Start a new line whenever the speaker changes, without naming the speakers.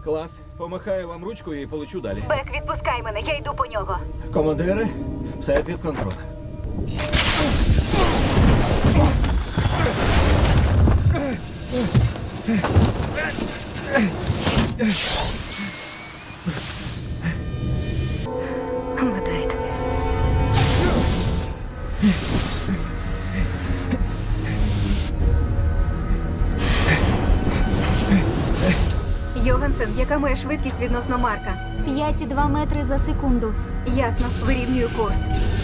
Клас. Помахаю вам ручкою і полечу далі.
Бек, відпускай мене, я йду по нього.
Командири, все під контролем.
Гадаєте. Йогансен, яка моя швидкість відносно Марка?
5,2 метри за секунду.
Ясно, вирівнюю курс.